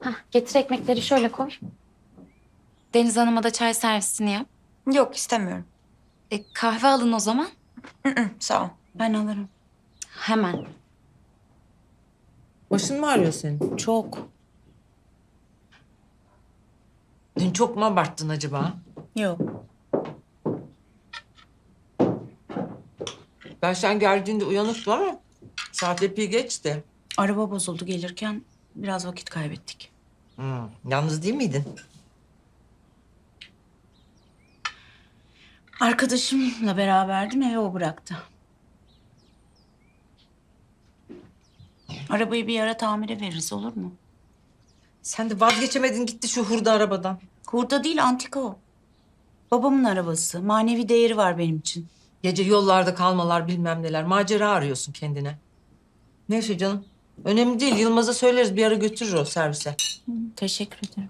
Getir ekmekleri şöyle koy. Deniz Hanım'a da çay servisini yap. Yok istemiyorum. Kahve alın o zaman. Sağ ol. Ben alırım. Hemen. Başın mı ağrıyor senin? Çok. Dün çok mu abarttın acaba? Yok. Ben sen geldiğinde uyanıktım ama saat epey geçti. Araba bozuldu gelirken biraz vakit kaybettik. Yalnız değil miydin? Arkadaşımla beraberdim, eve o bıraktı. Arabayı bir ara tamire veririz, olur mu? Sen de vazgeçemedin gitti şu hurda arabadan. Hurda değil, antika o. Babamın arabası. Manevi değeri var benim için. Gece yollarda kalmalar bilmem neler. Macera arıyorsun kendine. Neyse canım. Önemli değil. Yılmaz'a söyleriz bir ara götürür o servise. Teşekkür ederim.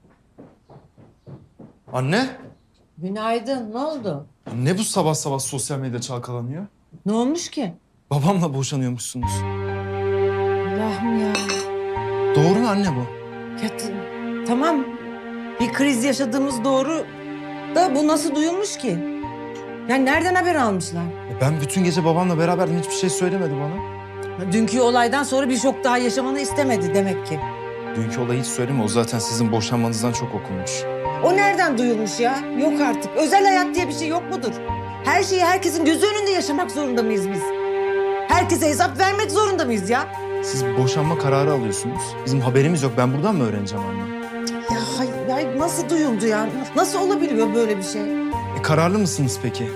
Anne, Günaydın. Ne oldu? ne bu sabah sabah sosyal medya çalkalanıyor? Ne olmuş ki? Babamla boşanıyormuşsunuz. Allah'ım ya. Doğru mu anne bu? Ya tamam. Bir kriz yaşadığımız doğru da bu nasıl duyulmuş ki? Yani nereden haber almışlar? Ben bütün gece babamla beraberdim, hiçbir şey söylemedi bana. Dünkü olaydan sonra bir şok daha yaşamanı istemedi demek ki. Dünkü olayı hiç söyleme, o zaten sizin boşanmanızdan çok okunmuş. O nereden duyulmuş ya? Yok artık. Özel hayat diye bir şey yok mudur? Her şeyi herkesin gözü önünde yaşamak zorunda mıyız biz? Herkese hesap vermek zorunda mıyız ya? Siz boşanma kararı alıyorsunuz. Bizim haberimiz yok, ben buradan mı öğreneceğim anne? Ya hayır, nasıl duyuldu ya? Nasıl olabiliyor böyle bir şey? Kararlı mısınız peki?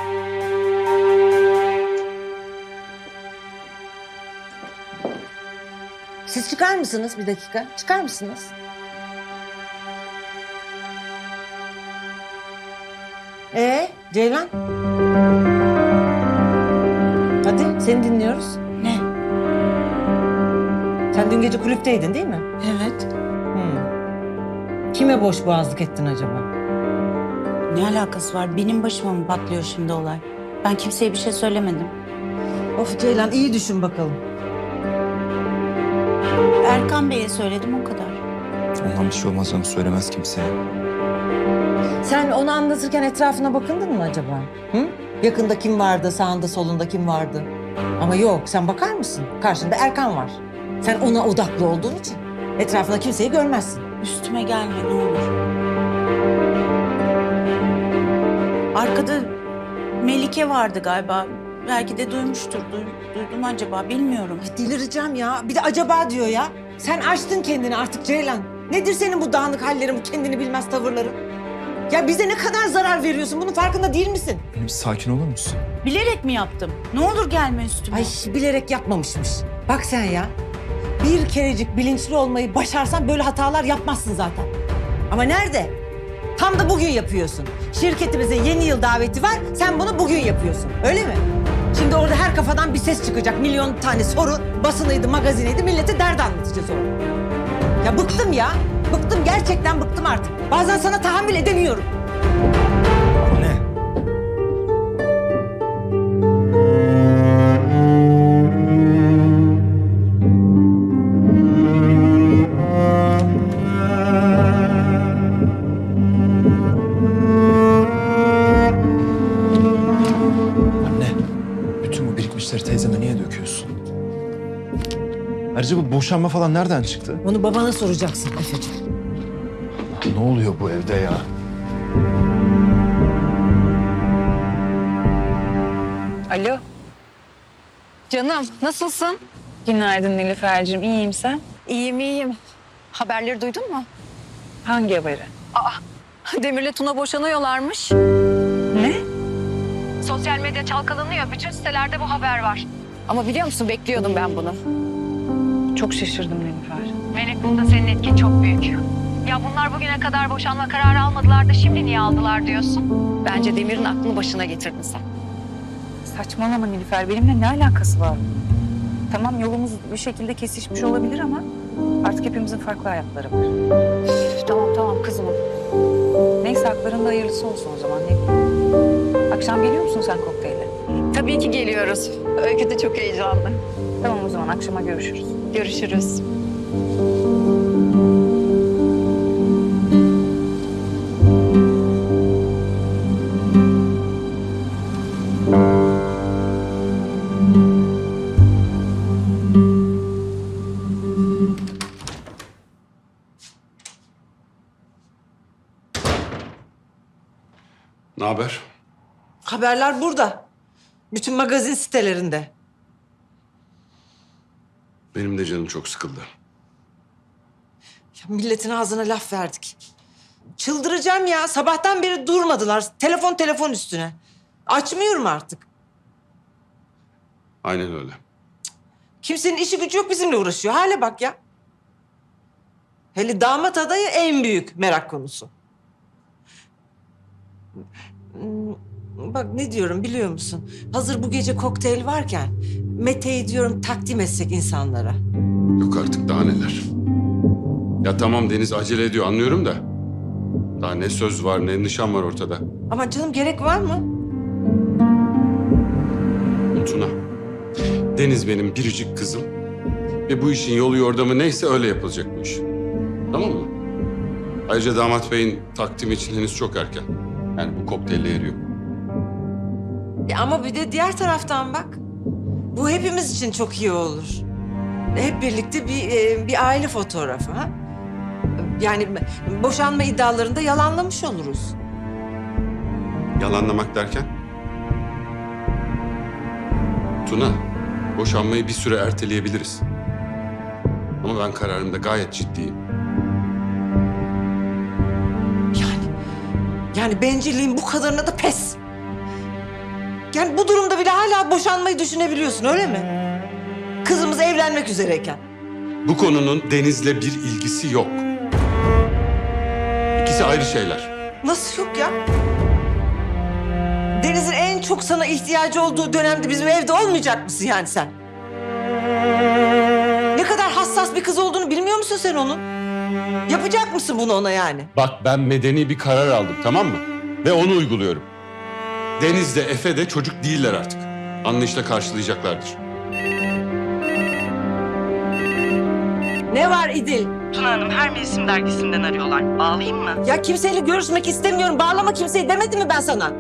Siz çıkar mısınız bir dakika? Çıkar mısınız? Ceylan? Hadi seni dinliyoruz. Ne? Sen dün gece kulüpteydin değil mi? Evet. Kime boş boğazlık ettin acaba? Ne alakası var? Benim başıma mı patlıyor şimdi olay? Ben kimseye bir şey söylemedim. Of Ceylan iyi düşün bakalım. Erkan Bey'e söyledim, o kadar. Ondan bir şey olmaz canım, söylemez kimseye. Sen onu anlatırken etrafına bakındın mı acaba? Hı? Yakında kim vardı, sağında solunda kim vardı? Ama yok, sen bakar mısın? Karşında Erkan var. Sen ona odaklı olduğun için etrafında kimseyi görmezsin. Üstüme gelme ne olur. Arkada Melike vardı galiba. Belki de duymuştur. Duydum acaba, bilmiyorum. Delireceğim ya. Bir de acaba diyor ya. Sen açtın kendini artık Ceylan. Nedir senin bu dağınık hallerin, bu kendini bilmez tavırların? Ya bize ne kadar zarar veriyorsun? Bunun farkında değil misin? Anne bir sakin olur musun? Bilerek mi yaptım? Ne olur gelme üstüme. Ay bilerek yapmamışmış. Bak sen ya. Bir kerecik bilinçli olmayı başarsan böyle hatalar yapmazsın zaten. Ama nerede? Tam da bugün yapıyorsun. Şirketimizin yeni yıl daveti var. Sen bunu bugün yapıyorsun. Öyle mi? Şimdi orada her kafadan bir ses çıkacak. Milyon tane soru. Basınıydı, magazineydi. Millete dert anlatacağız orada. Ya bıktım ya. Bıktım. Gerçekten bıktım artık. Bazen sana tahammül edemiyorum. Anne. Anne, bütün bu birikmişleri teyzeme niye döküyorsun? Ayrıca bu boşanma falan nereden çıktı? Bunu babana soracaksın Efe'ciğim. Ne oluyor bu evde ya? Alo. Canım nasılsın? Günaydın Nilüfer'cim. İyiyim sen? İyiyim. Haberleri duydun mu? Hangi haberi? Demir'le Tuna boşanıyorlarmış. Ne? Sosyal medya çalkalanıyor. Bütün sitelerde bu haber var. Ama biliyor musun bekliyordum ben bunu. Çok şaşırdım Nilüfer. Melek bunda senin etkin çok büyük. Ya bunlar bugüne kadar boşanma kararı almadılar da şimdi niye aldılar diyorsun? Bence Demir'in aklını başına getirdin sen. Saçmalama Nilüfer. Benimle ne alakası var? Tamam yolumuz bir şekilde kesişmiş olabilir ama artık hepimizin farklı hayatları var. Tamam kızma. Neyse haklarında hayırlısı olsun o zaman. Ne bileyim. Akşam geliyor musun sen kokteyle? Tabii ki geliyoruz. Öykü de çok heyecanlı. Tamam o zaman akşama görüşürüz. Görüşürüz. Ne haber? Haberler burada. Bütün magazin sitelerinde. Benim de canım çok sıkıldı. Ya milletin ağzına laf verdik. Çıldıracağım ya. Sabahtan beri durmadılar. Telefon üstüne. Açmıyorum artık. Aynen öyle. Kimsenin işi gücü yok, bizimle uğraşıyor. Hale bak ya. Hele damat adayı en büyük merak konusu. Bak ne diyorum biliyor musun? Hazır bu gece kokteyl varken Mete'yi diyorum takdim etsek insanlara. Yok artık daha neler. Ya tamam Deniz acele ediyor anlıyorum da. Daha ne söz var ne nişan var ortada. Ama canım gerek var mı? Tuna. Deniz benim biricik kızım. Ve bu işin yolu yordamı neyse öyle yapılacak bu iş. Tamam mı? Ayrıca damat beyin takdimi için henüz çok erken. Yani bu kokteylle eriyor. Ama bir de diğer taraftan bak. Bu hepimiz için çok iyi olur. Hep birlikte bir aile fotoğrafı ha? Yani boşanma iddialarında yalanlamış oluruz. Yalanlamak derken? Tuna, boşanmayı bir süre erteleyebiliriz. Ama ben kararımda gayet ciddiyim. Yani bencilliğin bu kadarına da pes. Yani bu durumda bile hala boşanmayı düşünebiliyorsun öyle mi? Kızımız evlenmek üzereyken. Bu konunun Deniz'le bir ilgisi yok. İkisi ayrı şeyler. Nasıl yok ya? Deniz'in en çok sana ihtiyacı olduğu dönemde bizim evde olmayacak mısın yani sen? Ne kadar hassas bir kız olduğunu bilmiyor musun sen onun? Yapacak mısın bunu ona yani? Bak ben medeni bir karar aldım tamam mı? Ve onu uyguluyorum. Deniz de Efe de çocuk değiller artık. Anlayışla karşılayacaklardır. Ne var İdil? Tuna Hanım her mevsim dergisinden arıyorlar. Bağlayayım mı? Ya kimseyle görüşmek istemiyorum. Bağlama kimseyi demedim mi ben sana?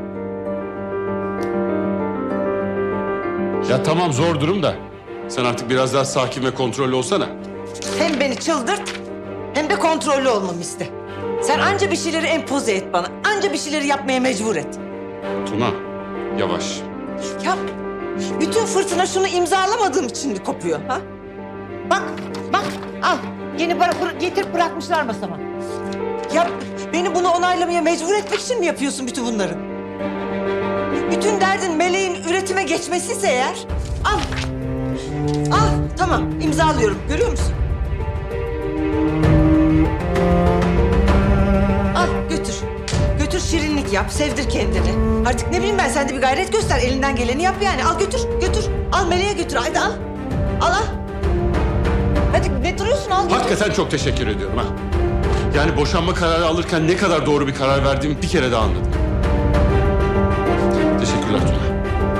Ya tamam zor durum da. Sen artık biraz daha sakin ve kontrollü olsana. Hem beni çıldırt hem de kontrollü olmamı iste. Sen anca bir şeyleri empoze et bana. Anca bir şeyleri yapmaya mecbur et. Tuna yavaş. Ya bütün fırtına şunu imzalamadığım için mi kopuyor ha? Bak al. Yeni getirip bırakmışlar masama. Ya beni bunu onaylamaya mecbur etmek için mi yapıyorsun bütün bunları? Bütün derdin meleğin üretime geçmesiyse eğer al. Al tamam imzalıyorum görüyor musun? Al götür. Götür şirinlik yap, sevdir kendini. Artık ne bileyim ben sen de bir gayret göster. Elinden geleni yap yani. Al götür. Al meleğe götür. Haydi al. Al. Hadi ne duruyorsun al götür. Hakikaten çok teşekkür ediyorum ha. Yani boşanma kararı alırken ne kadar doğru bir karar verdiğimi bir kere daha anladım. Teşekkürler Tuna.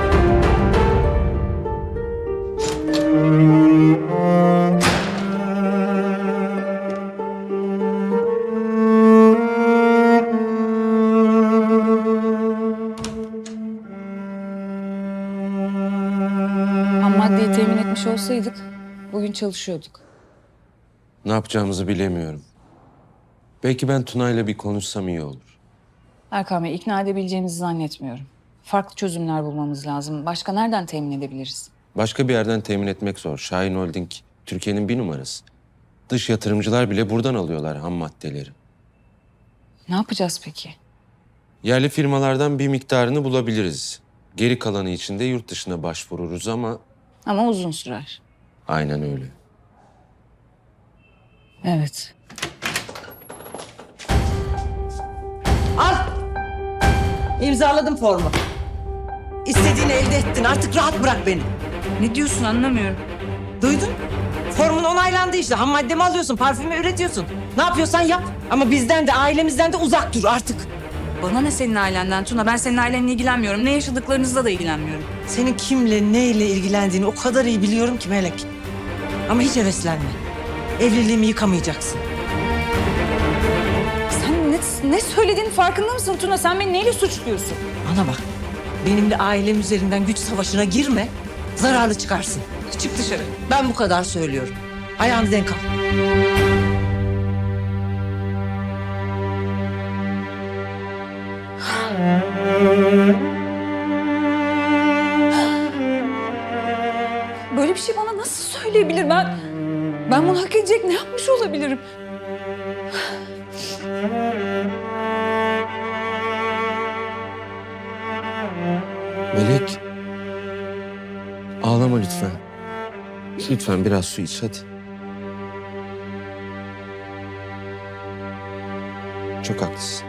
Ham maddeyi temin etmiş olsaydık bugün çalışıyorduk. Ne yapacağımızı bilemiyorum. Belki ben Tuna'yla bir konuşsam iyi olur. Erkan Bey ikna edebileceğimizi zannetmiyorum. Farklı çözümler bulmamız lazım. Başka nereden temin edebiliriz? Başka bir yerden temin etmek zor. Şahin Holding Türkiye'nin bir numarası. Dış yatırımcılar bile buradan alıyorlar ham maddeleri. Ne yapacağız peki? Yerli firmalardan bir miktarını bulabiliriz. Geri kalanı için de yurt dışına başvururuz ama Ama uzun sürer. aynen öyle. Evet. Al. İmzaladım formu. İstediğini elde ettin. Artık rahat bırak beni. Ne diyorsun anlamıyorum. Duydun? Formun onaylandı işte. Ham maddemi alıyorsun, parfümü üretiyorsun. Ne yapıyorsan yap. Ama bizden de ailemizden de uzak dur artık. Bana ne senin ailenden Tuna? Ben senin ailenle ilgilenmiyorum. Ne yaşadıklarınızla da ilgilenmiyorum. Senin kimle, neyle ilgilendiğini o kadar iyi biliyorum ki Melek. Ama hiç heveslenme. Evliliğimi yıkamayacaksın. Sen ne söylediğinin farkında mısın Tuna? Sen beni neyle suçluyorsun? Bana bak. Benimle ailem üzerinden güç savaşına girme. Zararlı çıkarsın. Çık dışarı. Ben bu kadar söylüyorum. Ayağını denk al. Ben bunu hak edecek ne yapmış olabilirim? Melek. Ağlama lütfen. Lütfen biraz su iç hadi. Çok haklısın.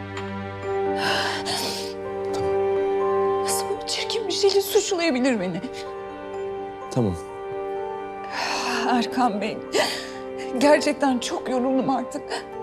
Nasıl böyle çirkin bir şeyle suçlayabilir beni? Tamam. Erkan Bey, gerçekten çok yoruldum artık.